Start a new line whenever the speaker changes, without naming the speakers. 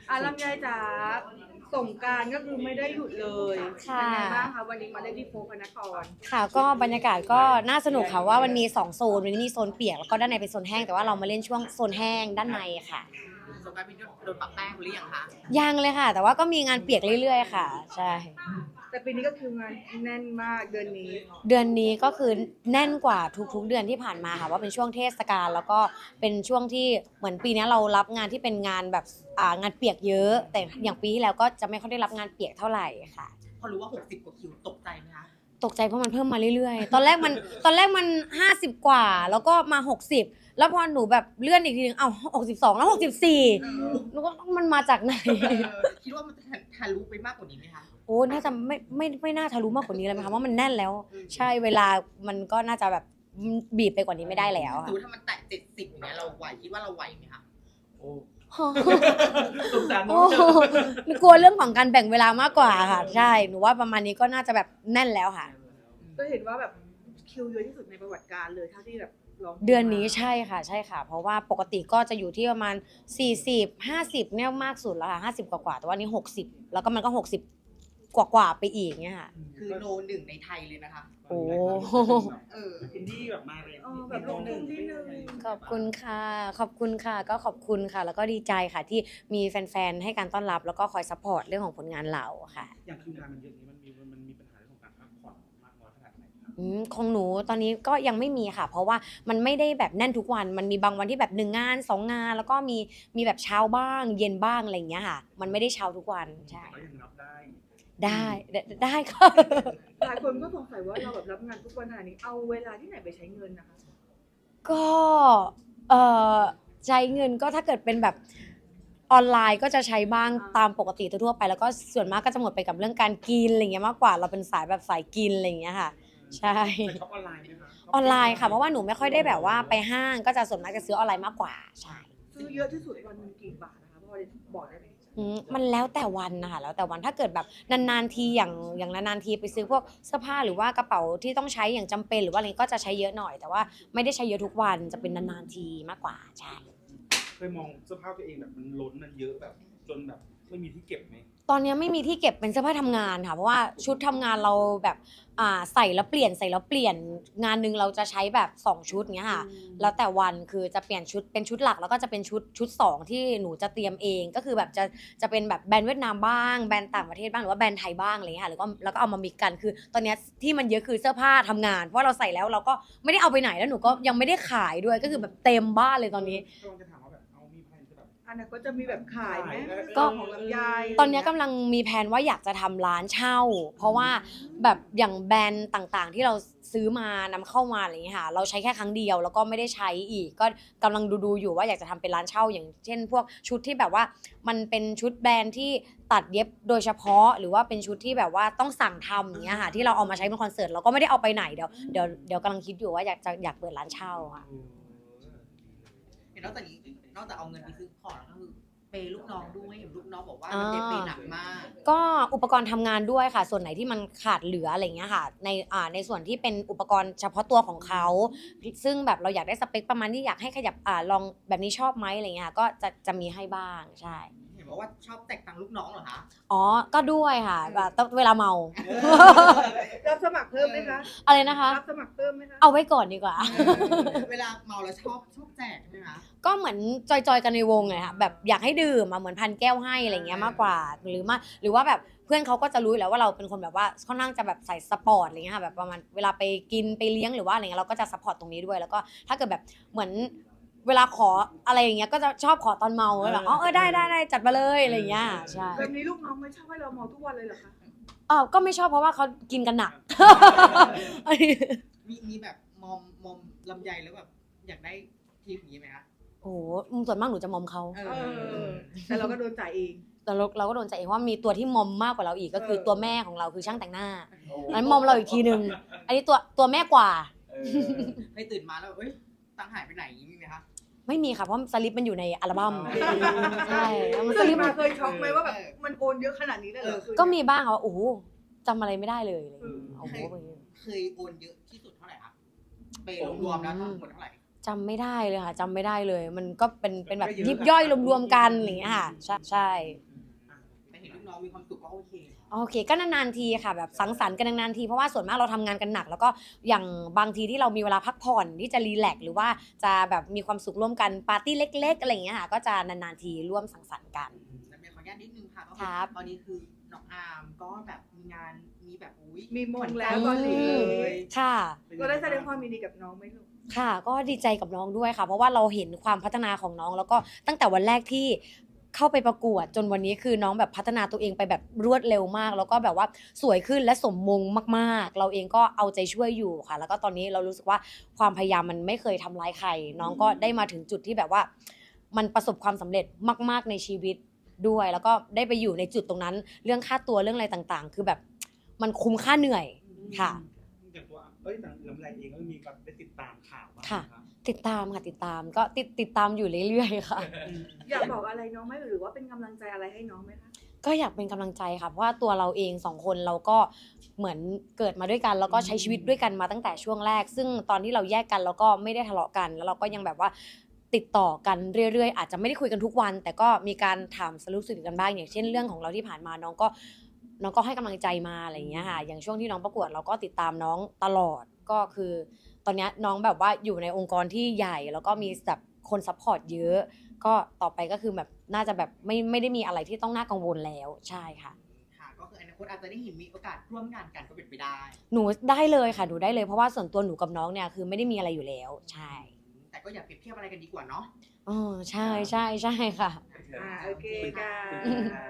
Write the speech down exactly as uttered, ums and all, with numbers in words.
อ่ะลำไยจ๋าสงกรานต์ก็คือไม่ได้หยุดเลยเป็นไงบ้างคะวันนี้มาเล่นที่โฟพระนคร
ค่ะก็บรรยากาศก็น่าสนุกค่ะว่ามันมีสองโซนมันมีโซนเปียกแล้วก็ด้านในเป็นโซนแห้งแต่ว่าเรามาเล่นช่วงโซนแห้งด้านในค่ะ
สงกรานต์พี่โดนปะแป้งหรือยังคะ
ยังเลยค่ะแต่ว่าก็มีงานเปียกเรื่อยๆค่ะใช่
แต่ปีนี้ก็คืองานแน่นมากเดือนนี้
เดือนนี้ก็คือแน่นกว่าทุกๆเดือนที่ผ่านมาค่ะว่าเป็นช่วงเทศกาลแล้วก็เป็นช่วงที่เหมือนปีนี้เรารับงานที่เป็นงานแบบอ่างานเปียกเยอะ แต่อย่างปีที่แล้วก็จะไม่ค่อยได้รับงานเปียกเท่าไหร่ค่ะ
พอรู้ว่าหกสิบกว่าคิวตกใจไหมคะ
ตกใจเพราะมันเพิ่มมาเรื่อยๆ ตอนแรกมันตอนแรกมันห้าสิบกว่าแล้วก็มาหกสิบแล้วพอหนูแบบเลื่อนอีกทีนึงเอ้าหกสิบสองแล้วหกสิบสี่หนูก็มันมาจากไหน
คิดว่ามันจะทะลุไปมากกว่านี้ไหมคะ
โอ้น่าจะไม่ไม่ไม่น่าทะลุมากกว่านี้เลยไหมคะว่ามันแน่นแล้ว ใช่เวลามันก็น่าจะแบบบีบไปกว่านี้ไม่ได้แล้ว
ส
ค่ะ
มมติถ้ามันแตะเจ็ดสิบอย่างเงี้ยเราไหวคิดว่าเราไหวไหมคะโอ้สงสารน้
โอ้
อง
โหกลัวเรื่องของการแบ่งเวลามากกว่าค่ะใช่หนูว่าประมาณนี้ก็น่าจะแบบแน่นแล้วค่ะ
ก็เห็นว่าแบบคิวเยอะที่สุดในประวัติการเลยเท่าที่แบบลอง
เดือนนี้ใช่ค่ะใช่ค่ะ เพราะว่าปกติก็จะอยู่ที่ประมาณสี่สิบ ห้าสิบเนี่ยมากสุดแล้วค่ะห้าสิบกว่าๆแต่ว่านี้หกสิบแล้วก็มันก็หกสิบกว่าๆไปอีกเนี่ยค่ะ
คือโนหนึ่งในไทยเลยนะคะ
โอ้
เออ
อินดี้แบบมาเลย
เออแบบลงทุนที่หนึ่ง
ขอบคุณค่ะขอบคุณค่ะก็ขอบคุณค่ะ แล้วก็ดีใจค่ะที่มีแฟนๆให้การต้อนรับแล้วก็คอยซัพพอร์ตเรื่องของผลงานเราค่ะ
อย่างคิวงานมันเยอะนี้มันมีมันมีปัญหาเรื่องของการพักผ่อนมากน้อยขนาดไหนครับ
อืมของหนูตอนนี้ก็ยังไม่มีค่ะ เพราะว่ามันไม่ได้แบบแน่นทุกวันมันมีบางวันที่แบบหนึ่งงานสองงานแล้วก็มีมีแบบเช้าบ้างเย็นบ้างอะไรอย่างเงี้ยค่ะมันไม่ได้เช้าทุกวันใช่
ก็ยังรับได้
ได้ได้ได้ค่ะ
หลายคนก็สงสัยว่าเราแบบรับงานทุกวันขนาดนี้เอาเวลาที่ไหนไปใช้เงินนะคะ
ก็เอ่อใช้เงินก็ถ้าเกิดเป็นแบบออนไลน์ก็จะใช้บ้างตามปกติทั่วๆไปแล้วก็ส่วนมากก็จะหมดไปกับเรื่องการกินอะไรเงี้ยมากกว่าเราเป็นสายแบบสายกินอะไรอย่างเงี้ยค่ะใช่
แต่ช็อปออนไลน์ไหมคะ
ออนไลน์ค่ะเพราะว่าหนูไม่ค่อยได้แบบว่าไปห้างก็จะส่วนมากจะซื้อออนไลน์มากกว่าใช่
ซื้อเยอะที่สุดวันหนึงกี่บาทนะคะพอจะบอกได้ไหม
อืมมันแล้วแต่วันนะคะแล้วแต่วันถ้าเกิดแบบนานๆทีอย่างอย่างนานๆทีไปซื้อพวกเสื้อผ้าหรือว่ากระเป๋าที่ต้องใช้อย่างจำเป็นหรือว่าอะไรก็จะใช้เยอะหน่อยแต่ว่าไม่ได้ใช้เยอะทุกวันจะเป็นนานๆทีมากกว่าใช่
เคยมองเสื้อผ้าตัวเองแบบมันล้นมันเยอะแบบจนแบบไม่มีที่เก็บไหม
ตอนนี้ไม่มีที่เก็บเป็นเสื้อผ้าทำงานค่ะเพราะว่าชุดทำงานเราแบบอ่าใส่แล้วเปลี่ยนใส่แล้วเปลี่ยนงานหนึ่งเราจะใช้แบบสองชุดเงี้ยค่ะแล้วแต่วันคือจะเปลี่ยนชุดเป็นชุดหลักแล้วก็จะเป็นชุดชุดสองที่หนูจะเตรียมเองก็คือแบบจะจะเป็นแบบแบรนด์เวียดนามบ้างแบรนด์ต่างประเทศบ้างหรือว่าแบรนด์ไทยบ้างอะไรเงี้ยค่ะแล้วก็แล้วก็เอามามิกกันคือ ตอนนี้ที่มันเยอะคือเสื้อผ้าทำงานเพราะเราใส่แล้วเราก็ไม่ได้เอาไปไหนแล้วหนูก็ยังไม่ได้ขายด้วยก็คือแบบเต็มบ้านเลยตอนนี้
ก็จะถามว่าแบบเอามีแผนจะแบบ
อันนั้นก็จะมีแบบขายไหม
ก็
ของลำไย
ตอนนี้กำลังมีแผนว่าอยากจะทำร้านเช่า เพราะว่าแบบอย่างแบรนด์ต่างๆ ที่เราซื้อมานำเข้ามาอะไรอย่างเงี้ยค่ะเราใช้แค่ครั้งเดียวแล้วก็ไม่ได้ใช้อีกก็กำลังดูๆอยู่ว่าอยากจะทำเป็นร้านเช่าอย่างเช่น พวกชุดที่แบบว่ามันเป็นชุดแบรนด์ที่ตัดเย็บโดยเฉพาะ หรือว่าเป็นชุดที่แบบว่าต้องสั่งทำอย่างเงี้ยค่ะที่เราเอามาใช้เป็นคอนเสิร์ตเราก็ไม่ได้เอาไปไหนเดี๋ยวเดี๋ยวเดี๋ยวกำลังคิดอยู่ว่าอยากจะอยากเปิดร้านเช่าค่ะ
เห็นนอกจากนี้นอกจากเอาเงินไปซื้อของแล้วก็คือเปย์ลูกน้องด้วยเห็นลูกน้องบอกว่ามันเปย์หนักมาก
ก็อุปกรณ์ทำงานด้วยค่ะ ส่วนไหนที่มันขาดเหลืออะไรเงี้ยค่ะในอ่าในส่วนที่เป็นอุปกรณ์เฉพาะตัวของเขาซึ่งแบบเราอยากได้สเปคประมาณที่อยากให้ขยับอ่าลองแบบนี้ชอบไหมอะไรเงี้ยค่ะก็จะจะมีให้บ้างใช่
เห็นบอกว่าชอบแตกตังค์ลูกน้องเหรอคะ
อ๋อก็ด้วยค่ะแบบต้องเวลาเมา
รับสมัครเพิ่มไหมคะ
อะไรนะคะ
รับสมัครเพิ่มไหมคะ
เอาไว้ก่อนดีกว่า
เวลาเมาแล้วชอบชอบแจกใช่ไหมคะ
ก็เหมือนจอยๆกันในวงเลยค่ะแบบอยากให้ดื่มมาเหมือนพันแก้วให้อะไรเงี้ยมากกว่าหรือมาหรือว่าแบบเพื่อนเขาก็จะรู้อยู่แล้วว่าเราเป็นคนแบบว่าค่อนข้างจะแบบใส่สปอร์ตอะไรเงี้ยค่ะแบบประมาณเวลาไปกินไปเลี้ยงหรือว่าอะไรเงี้ยเราก็จะซัพพอร์ตตรงนี้ด้วยแล้วก็ถ้าเกิดแบบเหมือนเวลาขออะไรอย่างเงี้ยก็จะชอบขอตอนเมาแบบอ๋อเออได้ได้ได้จัดมาเลยอะไรเงี้ยใช่
แบบนี้ลูกน้องไม่ชอบให้เราเมาทุกวันเลยเหรอคะ
อ๋อก็ไม่ชอบเพราะว่าเขากินกันหนัก
มีมีแบบมอมมอมลำไยแล้วแบบอยากได้ทีมอย่างนี้ไหมคะ
โอ้โหส่วนมากหนูจะมอมเขา
เอ
เอ
อ
อแต่เราก็โดนจ่ายเอง
แต่เราเราก็โดนใจเองว่ามีตัวที่มอมมากกว่าเราอีกก็คือตัวแม่ของเราคือช่างแต่งหน้านั้นมอมเราอีกทีนึงอันนี้ตัวตัวแม่กว่า
ให้ตื่นมาแล้วเอ้ยตังค์หายไปไหนอย่างนี้มีไหมคะ
ไม่มีค่ะเพราะสลิปมันอยู่ในอัลบั้มใช่แล้วมันส
เคย
ลิป
มา
มัน
เคยช็อกไหมว่าแบบมันโอนเยอะขนาดนี้ได้เหรอ
ก็มีบ้างค่ะว่าโอ้โหจำอะไรไม่ได้เลยอะไรอย่างเงี้ยโอ้โห
เคยโอนเยอะที่สุดเท่าไหร่คะเปย์รวมๆแล้วทั้งหมดเท่าไหร่
จจำไม่ได้เลยค่ะจำไม่ได้เลย มันก็เป็นเป็นแบบยิบย่อยรวมๆกันอะไรอย่างเงี้ยค่ะใช่ใช่
แต่เห็นลูกน้องมีความสุขก็โอเค
โอเคก็นานๆทีค่ะแบบสังสรรค์กันนานๆทีเพราะว่าส่วนมากเราทำงานกันหนัก แล้วก็อย่างบางทีที่เรามีเวลาพักผ่อนที่จะรีแลกซ์หรือว่าจะแบบมีความสุขร่วมกันปาร์ตี้เล็กๆอะไรอย่างเงี้ยค่ะก็จะนานๆทีร่วมสังสรรค์กัน
แล้วเมย์ขออนุญาตนิดนึงค่ะก็
ค
คือ
รับ
ตอนนี้คือน้องอาร์มก็แบบมีงานมีแบบอุ้ย
มีมง
หน
แล้ว
ใจ
เกาหลีเลย
ค่ะ
เราได้แสดงความยินดีกับน้องไหมลูก
ค่ะก็ดีใจกับน้องด้วยค่ะ เพราะว่าเราเห็นความพัฒนาของน้อง แล้วก็ตั้งแต่วันแรกที่เข้าไปประกวดจนวันนี้คือน้องแบบพัฒนาตัวเองไปแบบรวดเร็วมาก แล้วก็แบบว่าสวยขึ้นและสมมงมากๆ เราเองก็เอาใจช่วยอยู่ค่ะ แล้วก็ตอนนี้เรารู้สึกว่าความพยายามมันไม่เคยทำร้ายใคร น้องก็ได้มาถึงจุดที่แบบว่า มันประสบความสำเร็จมากๆในชีวิตด้วย แล้วก็ได้ไปอยู่ในจุดตรงนั้น เรื่องค่าตัวเรื่องอะไรต่างๆ คือแบบมันคุ้มค่าเหนื่อยค่ะ
อย่างตัวเอ้ยแต่ลำไรเองก็มีการได้ติดตามข่าวบ้าง
ค่ะ
รับ
ติดตามค่ะติดตามก็ติดติดตามอยู่เรื่อยๆค่ะ
อยากบอกอะไรน้องไหมหรือว่าเป็นกำลังใจอะไรให้น้องไหมคะ
ก็อยากเป็นกำลังใจค่ะเพราะว่าตัวเราเองสองคนเราก็เหมือนเกิดมาด้วยกัน แล้วก็ใช้ชีวิตด้วยกันมาตั้งแต่ช่วงแรก ซึ่งตอนที่เราแยกกันเราก็ไม่ได้ทะเลาะกัน แล้วเราก็ยังแบบว่าติดต่อกันเรื่อยๆอาจจะไม่ได้คุยกันทุกวัน แต่ก็มีการถามสรุปสุดกันบ้างอย่างเช่นเรื่องของเราที่ผ่านมาน้องก็น้องก็ให้กำลังใจมาอะไรอย่างเงี้ยค่ะอย่างช่วงที่น้องประกวดเราก็ติดตามน้องตลอดก็คือ ตอนนี้น้องแบบว่าอยู่ในองค์กรที่ใหญ่แล้วก็มีแบบคนซัพพอร์ตเยอะ ก็ต่อไปก็คือแบบน่าจะแบบไม่ไม่ได้มีอะไรที่ต้องน่ากังวลแล้วใช่ค่ะ
ค่ะก็คืออนาคตอาจจะได้เห็นมีโอกาสร่วมงานกันก็เป็นไปได้
หนูได้เลยค่ะหนูได้เลยเพราะว่าส่วนตัวหนูกับน้องเนี่ยคือไม่ได้มีอะไรอยู่แล้วใช่
แต่ก็อย่าเปรียบเทียบอะไรกันดีกว่าเนาะ
อ๋อใช่ใช่ใช่ค่ะ
อ่าโอเคค่ะ
ค่ะ